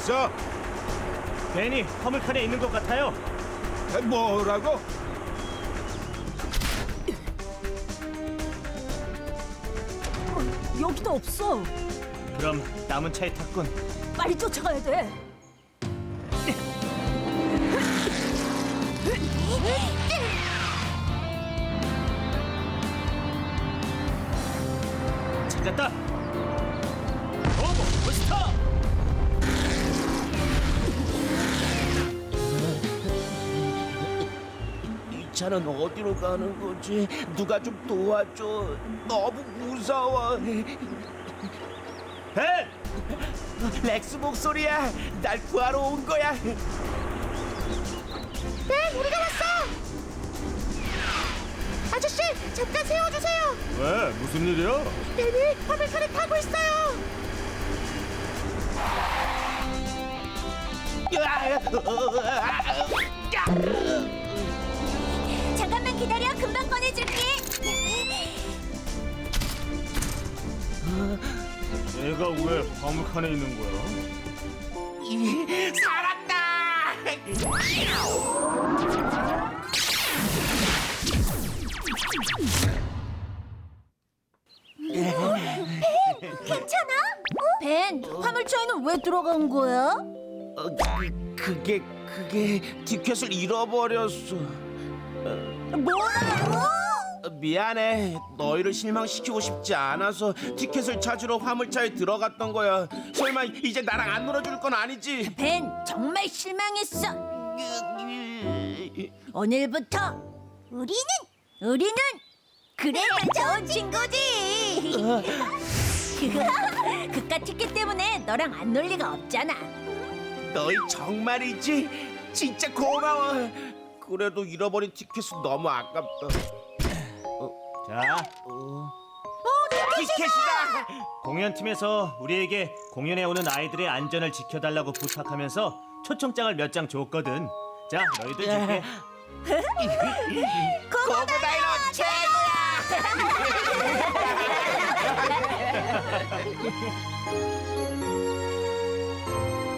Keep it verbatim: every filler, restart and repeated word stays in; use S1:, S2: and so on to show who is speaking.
S1: 있어?
S2: 벤이 화물칸에 있는 것 같아요.
S1: 뭐라고?
S3: 여기도 없어.
S2: 그럼 남은 차에 탔군.
S3: 빨리 쫓아가야 돼.
S2: 찾았다. 오버 부스터.
S4: 이 차는 어디로 가는 거지? 누가 좀 도와줘. 너무 무서워.
S2: 벤!
S4: 렉스 목소리야. 날 구하러 온 거야.
S5: 벤, 우리가 왔어. 아저씨, 잠깐 세워주세요.
S2: 왜? 무슨 일이야?
S5: 벤이 화물칸에 타고 있어요.
S3: 잠깐만 기다려. 금방 꺼내줄게.
S2: 얘가 왜 화물칸에 있는 거야?
S4: 살았다.
S3: 괜찮아? 벤, 화물차에는 왜 들어간 거야?
S4: 어, 그, 그게 그게 티켓을 잃어버렸어.
S3: 뭐라고?
S4: 어, 미안해. 너희를 실망시키고 싶지 않아서 티켓을 찾으러 화물차에 들어갔던 거야. 설마 이제 나랑 안 놀아줄 건 아니지?
S3: 벤, 정말 실망했어. 오늘부터 우리는 우리는 그래야 좋은 친구지. 그거 그깟 티켓 때문에 너랑 안 놀 리가 없잖아.
S4: 너희 정말이지? 진짜 고마워. 그래도 잃어버린 티켓은 너무 아깝다.
S2: 자,
S4: 티켓이다.
S2: 공연팀에서 우리에게 공연에 오는 아이들의 안전을 지켜달라고 부탁하면서 초청장을 몇 장 줬거든. 자, 너희들 줄게.
S4: 고고다이노 최고야.